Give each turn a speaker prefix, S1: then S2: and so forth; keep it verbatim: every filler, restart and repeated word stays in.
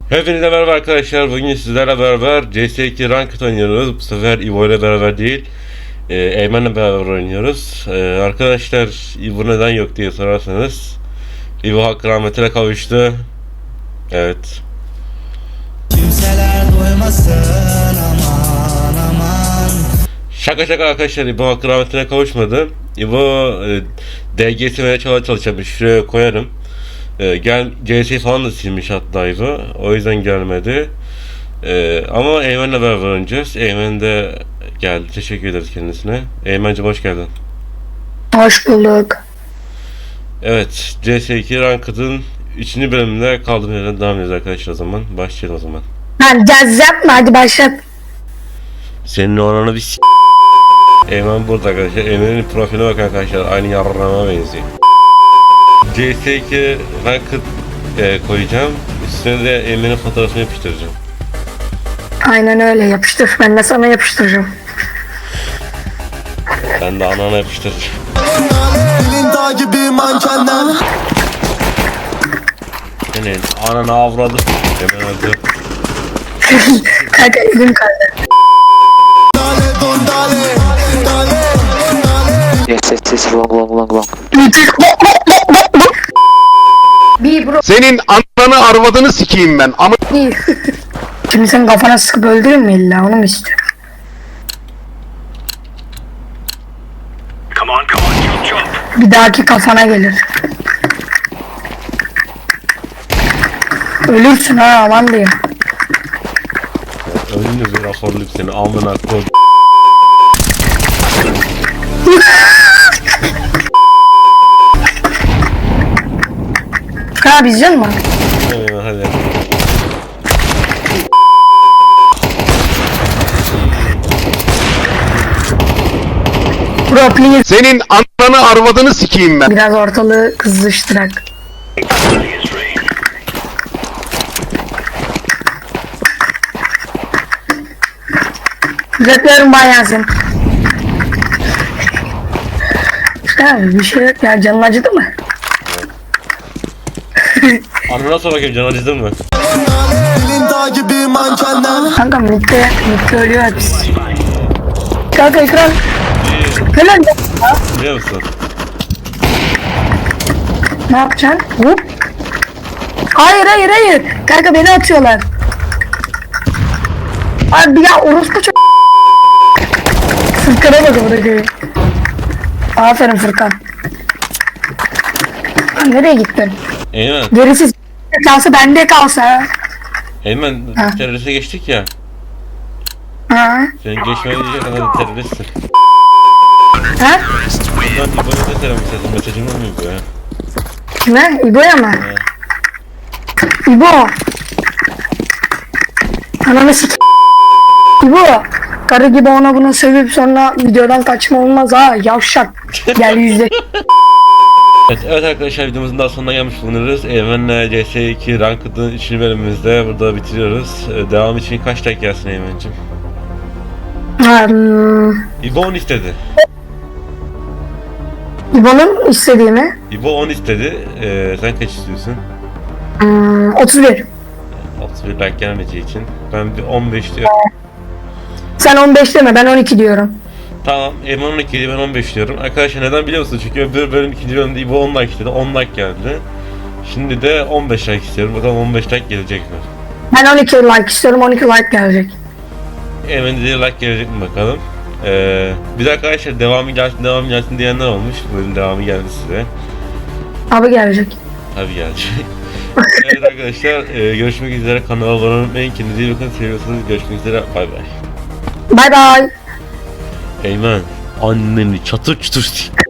S1: Hepinize merhaba arkadaşlar. Bugün sizlerle beraber C S iki Ranked oynuyoruz. Bu sefer Evo ile beraber değil, e, Eymen'le beraber oynuyoruz. E, arkadaşlar Evo neden yok diye sorarsanız, Evo hakkı rahmetine kavuştu. Evet.
S2: Kimseler duymasın aman aman.
S1: Şaka şaka arkadaşlar, Evo hakkı rahmetine kavuşmadı. Evo e, D G S çalmaya çalışamış. Şuraya koyarım. Ee, gel C S falan da silmiş hatta Evo. O yüzden gelmedi. Ee, ama Eymen'le beraber oynayacağız. Eymen de geldi. Teşekkür ederiz kendisine. Eymen'cim hoş geldin.
S3: Hoş bulduk.
S1: Evet, C S iki Ranked'ın üçüncü bölümünde kaldığımız yerden devam ediyoruz arkadaşlar o zaman. Başlayalım o zaman.
S3: Lan caz yapma, hadi başlat.
S1: Senin oranı bir s***. Eymen burada arkadaşlar. Eymen'in profiline bakın arkadaşlar. Aynı yarrama benziyor. C S iki Ranked e, koyacağım. Üstüne de Eymen'in fotoğrafını yapıştıracağım.
S3: Aynen öyle, yapıştır. Ben de sana yapıştıracağım.
S1: Ben de anana yapıştıracağım.
S2: Elin dağ gibi mankenler.
S1: Senin ananı avradı. Hemen öldü.
S3: Kanka elim kaldı.
S2: Dale don dale. Dale dale.
S4: Yes, yes, yes, long, long, long, long.
S3: Bir bro,
S5: Senin ananı arvadını sikeyim ben. Ama
S3: bir. Şimdi sen kafana sıkıp öldürür mü illa, onu mu istiyorsun? Bir dahaki kafana gelir. Ölürsün ha, aman diyeyim.
S1: Önünü bir raporluk seni amına koy.
S3: Ha bizcan mı?
S1: Ee, hadi.
S3: Bro please.
S5: senin ananı arvadını sikeyim ben.
S3: Biraz ortalığı kızıştırak. Göklerim bayansın. Ya bir şey yok ya, canın acıdı mı?
S1: Anana sor bakayım, can acıdın mı?
S2: Elin dağ gibi mankenler.
S3: Kanka mitte, mitte ölüyor hepsi. Kanka ekran. Helal ya.
S1: Biliyor musun?
S3: Ne yapacaksın? Hop. Hayır hayır hayır. Kanka beni atıyorlar. Abi ya orospu çok. Fırkan'a bak bırakıyor. Aferin Fırkan. Lan nereye gittin?
S1: Eymen,
S3: Gerisi kalsa bende kalsa.
S1: Eymen
S3: Ha.
S1: teröriste geçtik ya.
S3: Ha?
S1: Senin geçmeye diyecek kadar teröristsin.
S3: Ha?
S1: Ben İbo'ya da selam mesajım. Mesajım olmuyor bu ya.
S3: Kime? İbo'ya mı? İbo. Ananı sik. İbo. Karı gibi ona bunu sövüp sonra videodan kaçma olmaz ha. Yavşak. Gel yüzde.
S1: Evet, evet arkadaşlar, videomuzun daha sonuna gelmiş bulunuyoruz. Eymen'le C S iki Ranked'ın üçüncü bölümümüzde burada bitiriyoruz. Ee, devam için kaç like gelsin Eymen'cim?
S3: Hmm,
S1: İbo on istedi.
S3: İbo'nun istediğimi
S1: İbo on istedi. Ee, sen kaç istiyorsun?
S3: hmm, otuz bir.
S1: otuz bir like gelmeyeceği için. Ben bir on beş diyorum.
S3: Sen on beş deme, ben on iki diyorum.
S1: Tamam, Eymen on iki diye ben on beş diyorum. Arkadaşlar neden biliyor musunuz? Çünkü öbür bölüm ikinci bölümde İbo on like istedi. on like geldi. Şimdi de on beş like istiyorum. Bakalım on beş like gelecek mi?
S3: Ben on iki like istiyorum, on iki like gelecek.
S1: Eymen dediği like gelecek mi bakalım. Ee, bir de arkadaşlar devamı gelsin devamı gelsin diyenler olmuş. Bu bölüm devamı geldi size.
S3: Abi gelecek.
S1: Tabii gelecek. Evet arkadaşlar, e, görüşmek üzere. Kanala abone olmayı, kendinize iyi bakın. Seviyorsanız görüşmek üzere. Bay bay.
S3: Bye bye.
S1: Eymen, anneni çatır çutur sik.